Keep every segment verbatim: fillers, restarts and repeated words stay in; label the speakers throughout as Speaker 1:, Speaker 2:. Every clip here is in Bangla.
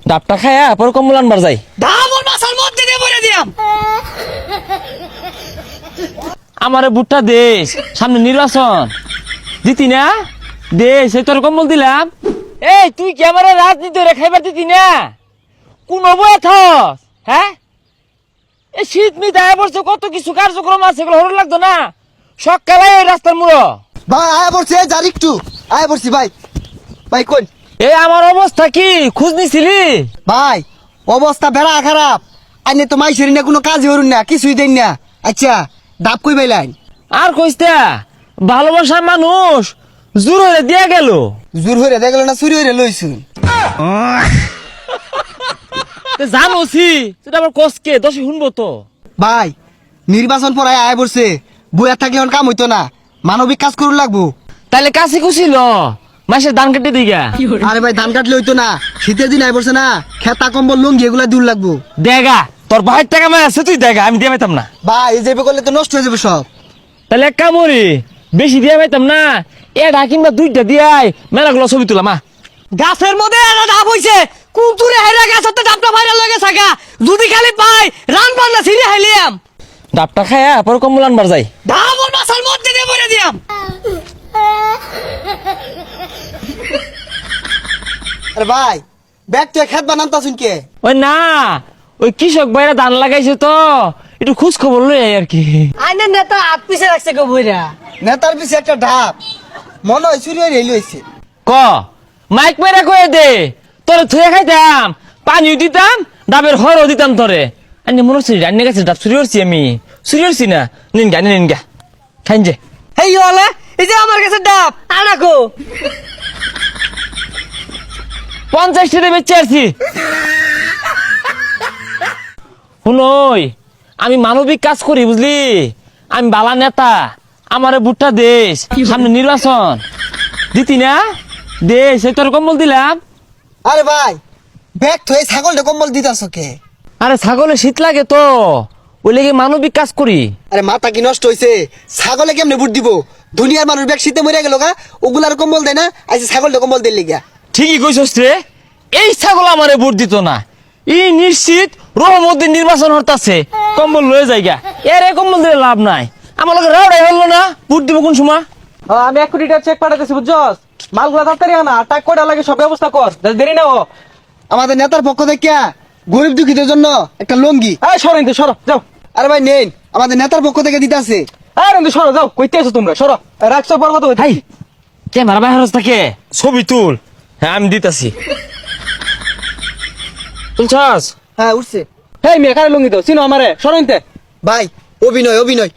Speaker 1: ডাবটা খায়া পরে কম্বল আনবার যাই।
Speaker 2: ডাবল মাছার মধ্যে দিয়ে বলে দিয়াম।
Speaker 1: আমারে বুটটা দেশ, সামনে নির্বাচন দিতি না, দেশ এই তোর কম্বল দিলাম। এই তুই কি আমার রাজনীতি রে খাইবার দিতি না? কোন বয়ে থস? হ্যাঁ, এই শীত মিত আয় পড়ছে, কত কিছু কার্যক্রম আছে, এগুলো হরণ লাগতো না? সকালে এই রাস্তার মুড়ো
Speaker 3: ভাই আয়া পড়ছি, যার একটু আয়া পড়ছি ভাই। ভাই কোন
Speaker 1: এই আমার অবস্থা কি খোঁজ নিছিলি?
Speaker 3: ভাই অবস্থা বেড়া খারাপ, আইনে তো মাইসেরি না, কোনো কাজই হরুন না, কিছুই দেন না। আচ্ছা ডাব কই পাইলেন?
Speaker 1: আর কইস্তা ভালোবাসার মানুষ জোর হয়ে দিয়া গেল।
Speaker 3: জোর হইরে দেখলো না, চুরি হইরে লইছুন।
Speaker 1: জানোছি সেটা আবার কসকে দশে শুনবো তো।
Speaker 3: ভাই নির্বাচন পড়ায় আয়া পড়ছে, বইয়া থাকলে এখন কাম হইতো না, মানবিক কাজ করুন লাগবো।
Speaker 1: তাহলে কাছে কুছিল মাসের ধান কেটে দিগা।
Speaker 3: আরে ভাই ধান কাটলে হইতো না, শীতের দিন আয় পড়ছে না, খেতা কম্বল লুঙ্গি এগুলা দূর লাগবো।
Speaker 1: দেগা তোর ভাইয়ের টাকা মায় আছে, তুই দেখা, আমি দিয়ে পাইতাম না।
Speaker 3: ভাই এই যাবে করলে তো নষ্ট হয়ে যাবে সব।
Speaker 1: তাহলে এক কামড়ি বেশি দিয়ে পাইতাম না, এটা কিংবা দুইটা দিয়াই মেলাগুলো ছবি তুলাম।
Speaker 2: গাছের মধ্যে একটা ডাব হইছে, কুতুরে হেরা গাছতে ডাবটা ভাইরাল হয়ে গেছে গা। যদি খালি পাই রান বান্না ছিঁড়ে হাইলিয়াম।
Speaker 1: ডাবটা খায়া পরে কম্বল আনবার যাই।
Speaker 2: ডাবল মাছার মধ্যে দিয়ে বলে দিয়াম।
Speaker 3: আরে ভাই ব্যাগ তো খেত বানান তো কে?
Speaker 1: ওই না, ওই কৃষক ভাইরা ধান লাগাইছে তো, একটু খোঁজ খবর লই আর কি।
Speaker 2: আইনের নেতা হাত পিছে রাখছে গো বইরা।
Speaker 3: নেতার পিছে একটা ঢাপ, মনে হয় চুরি হয়ে রেল হয়েছে।
Speaker 1: ক মাইক মেরা কয়ে দে, তোরে থুয়ে খাইতাম, পানিও দিতাম, ডাবের হরও দিতাম তোরে। আনি মনে হচ্ছে রান্না গেছে, ডাব চুরি করছি আমি, চুরি করছি না। নিন গা নিন গা খাইন যে।
Speaker 2: হেই ওলে এই যে আমার কাছে ডাব আনাকো।
Speaker 1: পঞ্চাশ টাকা বেচে আসছি। শুনই আমি মানবিক কাজ করি বুঝলি, আমি বালা নেতা, আমারে বুটটা দেশ, সামনে নির্বাচন দিতি না, দেশ এই তোর কম্বল দিলাম।
Speaker 3: আরে ভাই ব্যাগ থয়ে ছাগলটা কম্বল দিতাছ কে?
Speaker 1: আরে ছাগলে শীত লাগে তো, ওই লেগে মানবিক কাজ করি।
Speaker 3: আরে মাথা কি নষ্ট হয়েছে? ছাগলে কেমনে বুট দিব? দুনিয়ার মানুষ ব্যাগ শীতে মরে গেল গা, ওগুলার কম্বল দেয় না, আইসে ছাগলটা কম্বল দিল গিয়া।
Speaker 1: ঠিকই কইছস রে, এই ছাগল আমারে ভোট দিত না, ই নিশ্চিত রহমদ্দিন নির্বাচন হতাছে, কম্বল লয়ে যাইগা। এর এই কম্বল দিলে লাভ নাই, আমার লোক রাউডাই হলো না, ভোট দিব কোন সময়?
Speaker 4: আমি এক কোটি টাকা চেক পাঠাতেছি বুঝছস, মালগুলা তাড়াতাড়ি আনা, টাকা কয়টা লাগে সব ব্যবস্থা কর, দেরি না ও।
Speaker 3: আমাদের নেতার পক্ষ থেকে গরিব দুঃখীদের জন্য একটা লঙ্গি।
Speaker 4: এই সরো ইন্দু সরো যাও।
Speaker 3: আরে ভাই নেন, আমাদের নেতার পক্ষ থেকে দিতাছে।
Speaker 4: এই ইন্দু সরো যাও, কইতে আছো তোমরা সরো, রাখছো বড় কথা
Speaker 1: হাই ক্যামেরা বাইরে থাকে, ছবি তুল। হ্যাঁ আমি দিতাছি, তুলছস?
Speaker 3: হ্যাঁ উঠছে।
Speaker 4: এই মেয়ে কারে লুঙ্গি দাও, চিনো আমারে, সরো ইনতে।
Speaker 3: ভাই অভিনয় অভিনয়।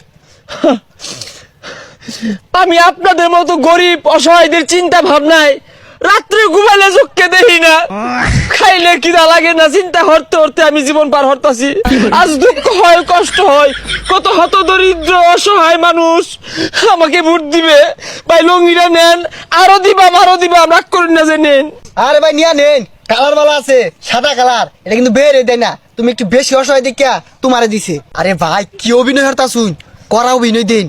Speaker 1: আমি আপনাদের মতো গরিব অসহায়দের চিন্তা ভাবনায় রাত্রে ঘুমাইলে চোখকে দেখি না, খাইলে কিনা লাগে না, চিন্তা হরতে হরতে আমি জীবন পার হরতাছি। আজ দুঃখ হয়, কষ্ট হয়, কত হত দরিদ্র অসহায় মানুষ আমাকে ভোট দিবে। ভাই লঙ্গিটা নেন, আরো দিবাম আরো দিবাম, রাগ করেন না যে নেন।
Speaker 3: আরে ভাই নিয়া নেন, কালার বালা আছে, সাদা কালার, এটা কিন্তু বেরে দেয় না, তুমি একটু বেশি অসহায় দেখিয়া তোমারে দিছে। আরে ভাই কি অভিনয় হরতা শুন, করা অভিনয় দিন।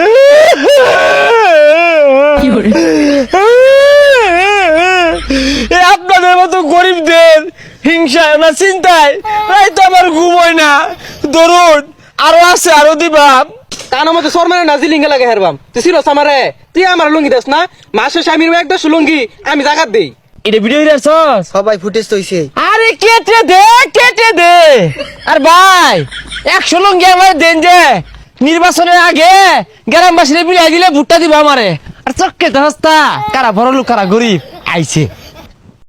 Speaker 1: আপনাদের মতো গরিবদের হিংসায় না চিন্তায় তাই তো আমার ঘুম হয় না। ধরুন আরো আছে, আরো দিবাম।
Speaker 4: কানের মধ্যে সর মানে না জিলিঙ্গা লাগে হেরবাম, তুই চিনোস আমারে, তুই আমার লুঙ্গি দাস না, মাসে স্বামীর এক দশ লুঙ্গি আমি জাগাত দেই।
Speaker 1: এটা ভিডিও দিয়েছস?
Speaker 3: সবাই ফুটেজ তো হইছে।
Speaker 1: আরে কেটে দে কেটে দে। আর ভাই একশো লঙ্গি আমার দেন যে, নির্বাচনের আগে গ্রামবাসীরা বিলাই দিলে ভুট্টা দিব আমারে। আর চক্কে দস্তা কারা বড় লোক কারা গরিব আইছে।